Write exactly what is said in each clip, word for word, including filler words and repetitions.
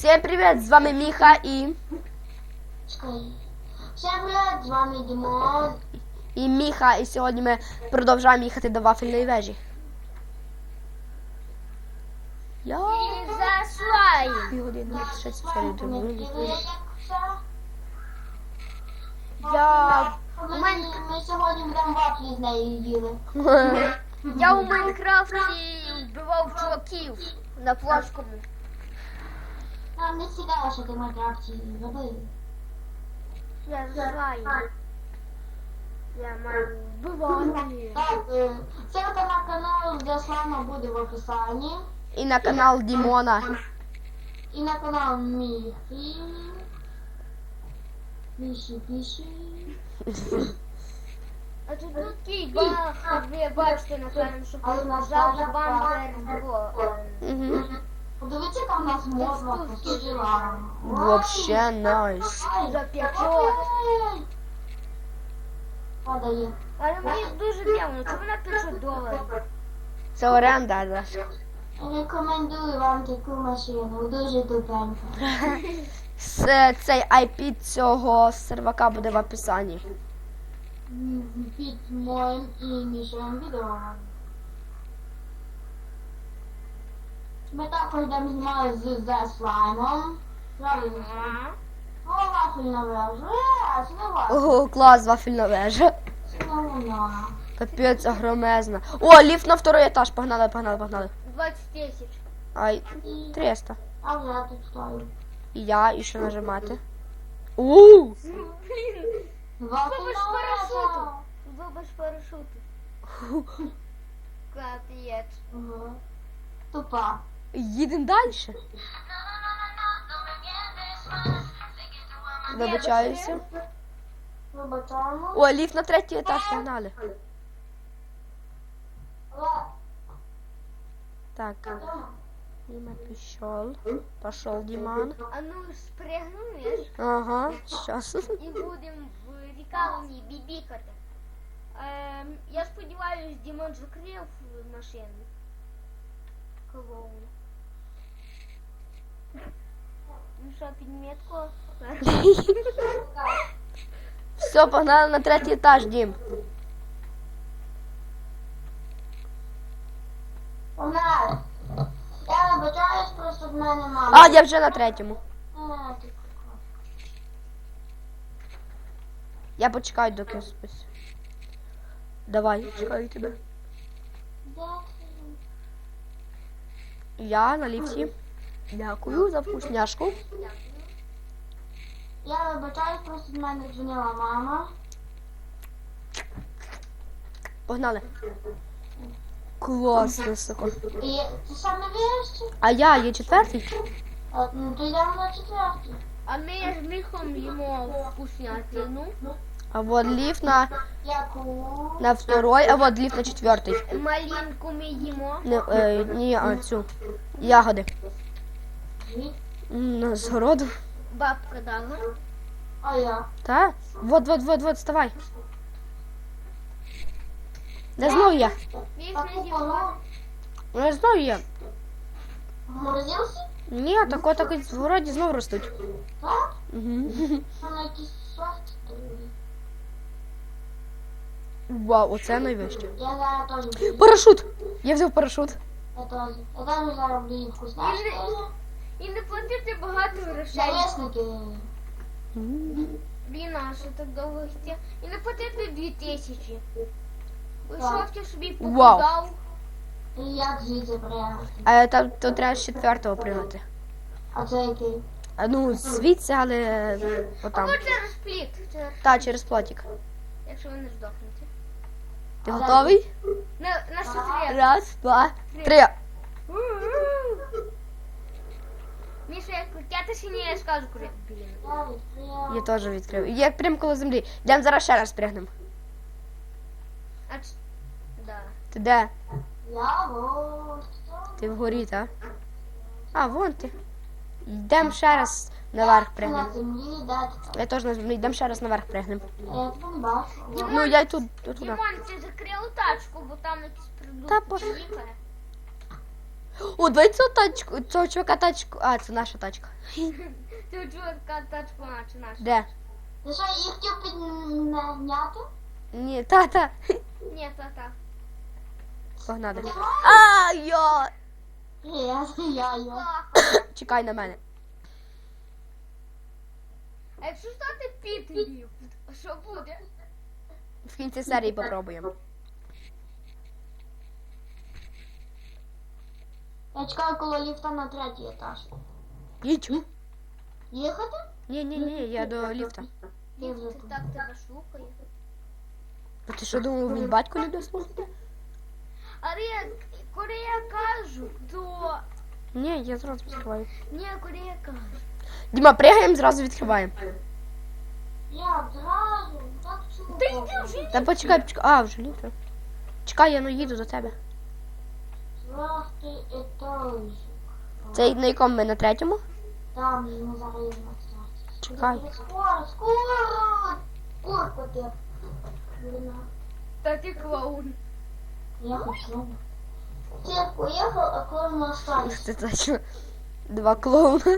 Всем привет, з вами Міха і... Всем привет, з вами Дімон. І Міха, і сьогодні ми продовжуємо їхати до вафельної вежі. Я... Заслай. Півгодини, шість серій думаю. Я... Ми, ми сьогодні будемо вафлі з нею їли. Я у Майнкрафті вбивав чуваків на плоскому. Нам не цікаво, що ти в Майнкрафті робив. Я знаю. Я маю вбивати. Так, е, ссылка на канал Заслана буде в описанні. І на канал Дімона. І на канал Міхи. Піші, піші. А тут такий баг, ви бачите, напевно, що нажав бампер було. Угу. Подивіться, яка в нас мозга посила. Вообще найс. За п'ятьсот. Падає. Але мені дуже дивно, чому на п'ятсот доларів? Це оренда, да. Рекомендую вам таку машину, дуже тупенька. С- Цей ай пі цього сервака буде в описанні. Під моїм іміжем відео. Ми також йдемо знімати з The Slime. Правильно. О, вафельна вежа. Е, це не вафельна. Ого, клас, вафельна вежа. Це не вона. Капець, огромезна. О, ліфт на второй етаж, погнали, погнали, погнали. двадцять тисяч. Ай, триста. А вже тут стою. І я, і що нажимати? Ууу! Блін, Вафельна без парашуту. вежа. Ви без парашуту. Капець. Ага. Тупа. Їдемо далі. Вибачаюся. Вибачаємо. О, ліфт на третій етаж, погнали. Так, Дима пішов. Пішов Діман. А ну спригнуєш Ага, щас. і будемо в лікарні бібікати. Ем, я сподіваюсь, Дімон закрив машину. Клоун. Ну що, підмітку? Все, погнали на третій етаж, Дім. Погнали. Я вибачаюсь, просто в мене мама. А, я вже на третьому. Е, ти Я почекаю, доки спись. Давай, чекаю тебе. де ти? Я на ліфті. Дякую за вкусняшку. Я вибачаюсь, просто в мене дзвонила мама. Погнали. Клас, високо. І ти сам не віриш? А я є четвертий? От, ну то йдемо на четвертий. А ми з Міхом їмо вкуснятину. А вот ліфт на, Яку? на второй, а вот ліфт на четвертий. Малинку ми їмо. Не, е, ні, а цю. Ягоди. Дві. М, На згороду. Бабка дала. А я? Та? Вот, вот, вот, вот, вставай. Де знову я? Міх А не купа з'їмо. Ну, знову я. Морозився? Ні, так отак в городі знову ростуть. Так? Угу. Вона якийсь софт. Вау, оце найвище. Я зараз теж буду. Парашут! Я взяв парашут. Я теж. Я теж зараз буду їм вкусняшки. І не платити багато грошей. Зависники. Блін, а що так довго йти? І не платити дві тисячі. Вийшов ти собі Вау. покидав. І як звідси приїхати? А там то треба з четвертого пригати. А це який? А ну, звідси, але отам. Або через пліт, через- Та, через плотик. якщо ви не здохнете. Ти готовий? На, на секрет. Раз, два, три. Міша, як крутятися, ні, я скажу куди. Блін. Я відкрив. Я теж відкрив. Я прямо коло землі. Йдемо зараз ще раз пригнемо. А ч... Да. Ти де? Я вот. Ти вгорі, так? А, вон ти. Йдемо ще раз наверх На пригнемо. землі, да. Я теж на землі. Йдемо ще раз наверх пригнемо. Я тебе не бачу. Ну, я й тут, тут туди. Дімон, ти закрив тачку, бо там якісь Та продукти пофіг. їхали. О, давай цю тачку, цього чувака тачку. А, це наша тачка. Ти у чувака тачку наче наша. Де? Ти що, їх хотів підняти? Ні, та-та. Ні, та та. Погнали. А, йо! Я, я, я. Баха. Чекай на мене. А якщо стати підлів, що буде? В кінці серії попробуємо. Я чекаю коло ліфта на третій етаж. Їдь. Їхати? Ні, ні, ні, я до ліфта. Я вже Ти тут. так тебе шукає. А ти що думав, він батько не слухати? Але я, коли я кажу, то... Ні, я зразу відкриваю. Ні, коли я кажу. Діма, пригаємо, зразу відкриваємо. Я одразу, так чудо. Та йди вже. Та почекай, почекай. А, вже ліфт. Чекай, я ну їду до тебе. Четвертий етаж. Це на якому ми на третьому? Там ми зараз на третій. Чекай. Скоро, скоро! Курку ти. Блін, Та ти клоун. я хочу. Цирк уехал, а клоун остались. Це точно. Два клоуна.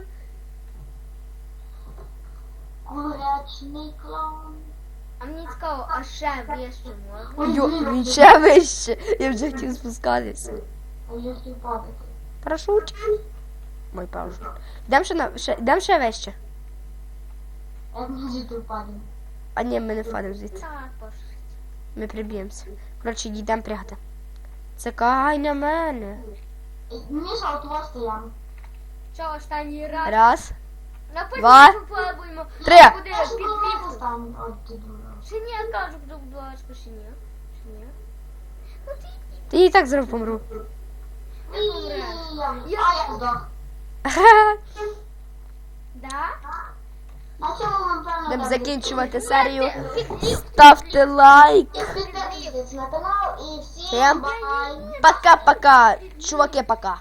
Курячний клоун. А мені цікаво, а ще вище можна? Йо, він ще вище. Я вже хотів спускатися. А я хотів падати. Парашут. Мой парашут. Йдемо ще, на, ще, йдемо ще вище. Як ми звідти впадемо? А ні, ми не впадемо звідси. Так, пошли. Ми приб'ємося. Коротше, йдемо прягати. Чекай на мене. Міша, от вас стояв. Що, останній раз? Раз. Напевно, попробуємо. Три. Що буде Я ж під була ліфтом. останнім, от ти дура. Чи ні, я кажу, будь ласка, чи ні? Чи ні? Ну ти Ти і так зараз помру. Я... Я- А, я здох. да? На цьому ми певно Будемо так закінчувати серію. Ставте лайк. Підписуйтесь на канал і всім Всім бай! Пока-пока. Чуваки, пока.